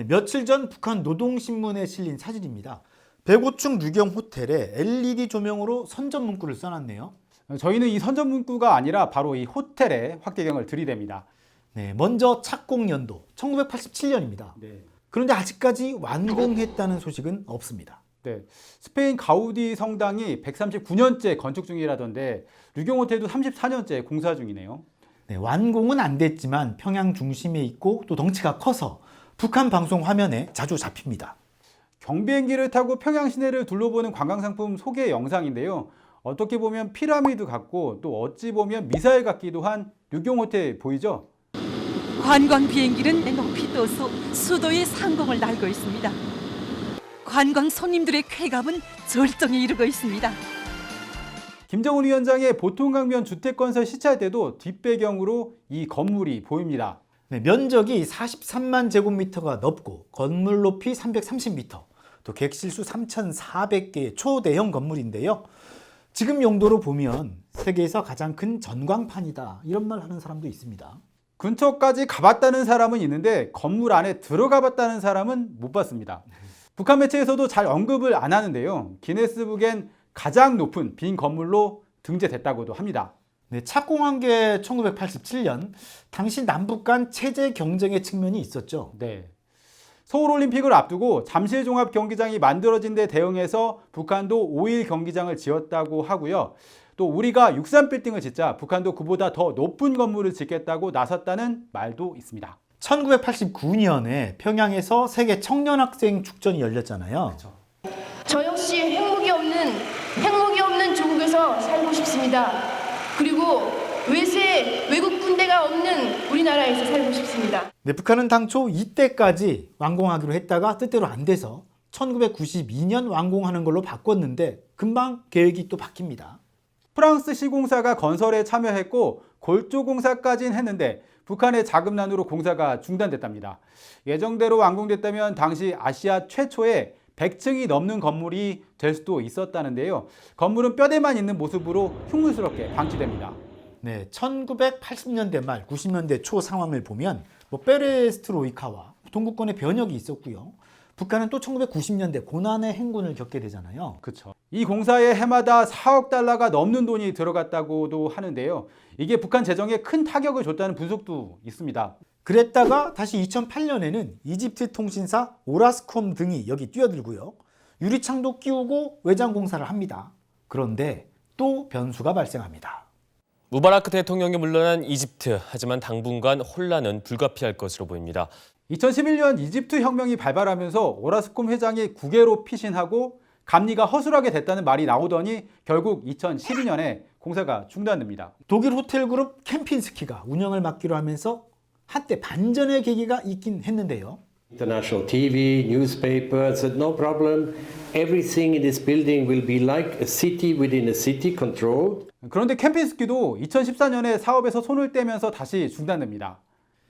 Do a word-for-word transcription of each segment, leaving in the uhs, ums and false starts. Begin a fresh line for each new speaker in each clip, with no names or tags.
며칠 전 북한 노동신문에 실린 사진입니다. 백오 층 류경 호텔에 엘이디 조명으로 선전 문구를 써놨네요.
저희는 이 선전 문구가 아니라 바로 이 호텔에 확대경을 들이댑니다.
네, 먼저 착공 연도 천구백팔십칠 년입니다.
네.
그런데 아직까지 완공했다는 소식은 없습니다.
네, 스페인 가우디 성당이 백삼십구 년째 건축 중이라던데 류경 호텔도 삼십사 년째 공사 중이네요.
네, 완공은 안 됐지만 평양 중심에 있고 또 덩치가 커서 북한 방송 화면에 자주 잡힙니다.
경비행기를 타고 평양 시내를 둘러보는 관광상품 소개 영상인데요. 어떻게 보면 피라미드 같고 또 어찌 보면 미사일 같기도 한 류경 호텔 보이죠?
관광 비행기는 높이 떠서 수도의 상공을 날고 있습니다. 관광 손님들의 쾌감은 절정에 이르고 있습니다.
김정은 위원장의 보통강변 주택건설 시찰 때도 뒷배경으로 이 건물이 보입니다.
네, 면적이 사십삼만 제곱미터가 넘고 건물 높이 삼백삼십 미터, 또 객실수 삼천사백 개의 초대형 건물인데요. 지금 용도로 보면 세계에서 가장 큰 전광판이다, 이런 말 하는 사람도 있습니다.
근처까지 가봤다는 사람은 있는데 건물 안에 들어가 봤다는 사람은 못 봤습니다. 북한 매체에서도 잘 언급을 안 하는데요. 기네스북엔 가장 높은 빈 건물로 등재됐다고도 합니다.
네, 착공한 게 천구백팔십칠 년, 당시 남북 간 체제 경쟁의 측면이 있었죠.
네. 서울올림픽을 앞두고 잠실종합경기장이 만들어진 데 대응해서 북한도 오일 경기장을 지었다고 하고요. 또 우리가 육삼 빌딩을 짓자 북한도 그보다 더 높은 건물을 짓겠다고 나섰다는 말도 있습니다.
천구백팔십구 년에 평양에서 세계 청년학생 축전이 열렸잖아요.
그렇죠.
저 역시 핵무기 없는 핵무기 없는 조국에서 살고 싶습니다. 그리고 외세 외국 군대가 없는 우리나라에서 살고 싶습니다.
네, 북한은 당초 이때까지 완공하기로 했다가 뜻대로 안 돼서 천구백구십이 년 완공하는 걸로 바꿨는데 금방 계획이 또 바뀝니다.
프랑스 시공사가 건설에 참여했고 골조 공사까지는 했는데 북한의 자금난으로 공사가 중단됐답니다. 예정대로 완공됐다면 당시 아시아 최초의 백 층이 넘는 건물이 될 수도 있었다는데요. 건물은 뼈대만 있는 모습으로 흉물스럽게 방치됩니다.
네, 천구백팔십 년대 말, 구십 년대 초 상황을 보면 뭐 페레스트로이카와 동구권의 변혁이 있었고요. 북한은 또 천구백구십 년대 고난의 행군을 겪게 되잖아요.
그렇죠. 이 공사에 해마다 사억 달러가 넘는 돈이 들어갔다고도 하는데요. 이게 북한 재정에 큰 타격을 줬다는 분석도 있습니다.
그랬다가 다시 이천팔 년에는 이집트 통신사 오라스콤 등이 여기 뛰어들고요. 유리창도 끼우고 외장 공사를 합니다. 그런데 또 변수가 발생합니다.
무바라크 대통령이 물러난 이집트, 하지만 당분간 혼란은 불가피할 것으로 보입니다.
이천십일 년 이집트 혁명이 발발하면서 오라스콤 회장이 국외로 피신하고 감리가 허술하게 됐다는 말이 나오더니 결국 이천십이 년에 공사가 중단됩니다.
독일 호텔 그룹 캠핀스키가 운영을 맡기로 하면서 한때 반전의 계기가 있긴 했는데요.
International T V, newspaper said no problem. Everything in this building will be like a city within a city controlled.
그런데 캠핀스키도 이천십사 년에 사업에서 손을 떼면서 다시 중단됩니다.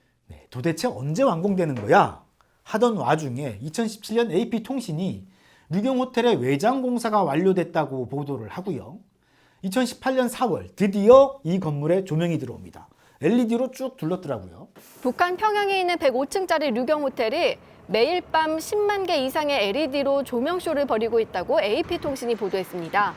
네, 도대체 언제 완공되는 거야? 하던 와중에 이천십칠 년 에이피통신이 류경 호텔의 외장 공사가 완료됐다고 보도를 하고요. 이천십팔 년 사월 드디어 이 건물에 조명이 들어옵니다. 엘이디로 쭉 둘렀더라고요.
북한 평양에 있는 백오 층짜리 류경 호텔이 매일 밤 십만 개 이상의 엘이디로 조명쇼를 벌이고 있다고 에이피통신이 보도했습니다.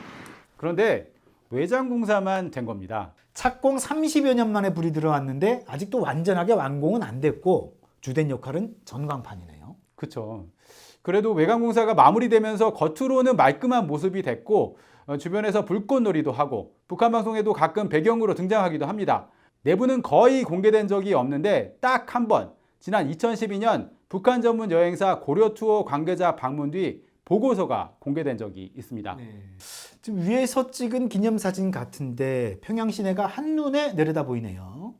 그런데 외장 공사만 된 겁니다.
착공 삼십여 년 만에 불이 들어왔는데 아직도 완전하게 완공은 안 됐고 주된 역할은 전광판이네요.
그렇죠. 그래도 외관 공사가 마무리되면서 겉으로는 말끔한 모습이 됐고 주변에서 불꽃놀이도 하고 북한 방송에도 가끔 배경으로 등장하기도 합니다. 내부는 거의 공개된 적이 없는데 딱 한 번, 지난 이천십이 년 북한 전문 여행사 고려투어 관계자 방문 뒤 보고서가 공개된 적이 있습니다.
네. 지금 위에서 찍은 기념사진 같은데 평양 시내가 한눈에 내려다 보이네요.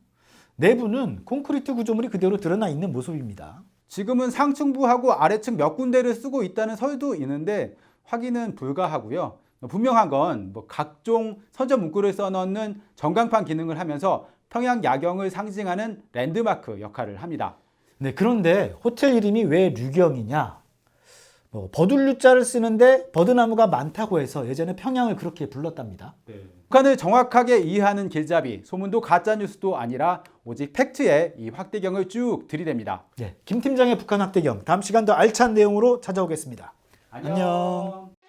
내부는 콘크리트 구조물이 그대로 드러나 있는 모습입니다.
지금은 상층부하고 아래층 몇 군데를 쓰고 있다는 설도 있는데 확인은 불가하고요. 분명한 건 뭐 각종 선전 문구를 써넣는 전광판 기능을 하면서 평양 야경을 상징하는 랜드마크 역할을 합니다.
네, 그런데 호텔 이름이 왜 류경이냐? 뭐 버들류자를 쓰는데 버드나무가 많다고 해서 예전에 평양을 그렇게 불렀답니다.
북한을 정확하게 이해하는 길잡이, 소문도 가짜 뉴스도 아니라 오직 팩트에 이 확대경을 쭉 들이댑니다.
네, 김 팀장의 북한 확대경 다음 시간 더 알찬 내용으로 찾아오겠습니다. 안녕.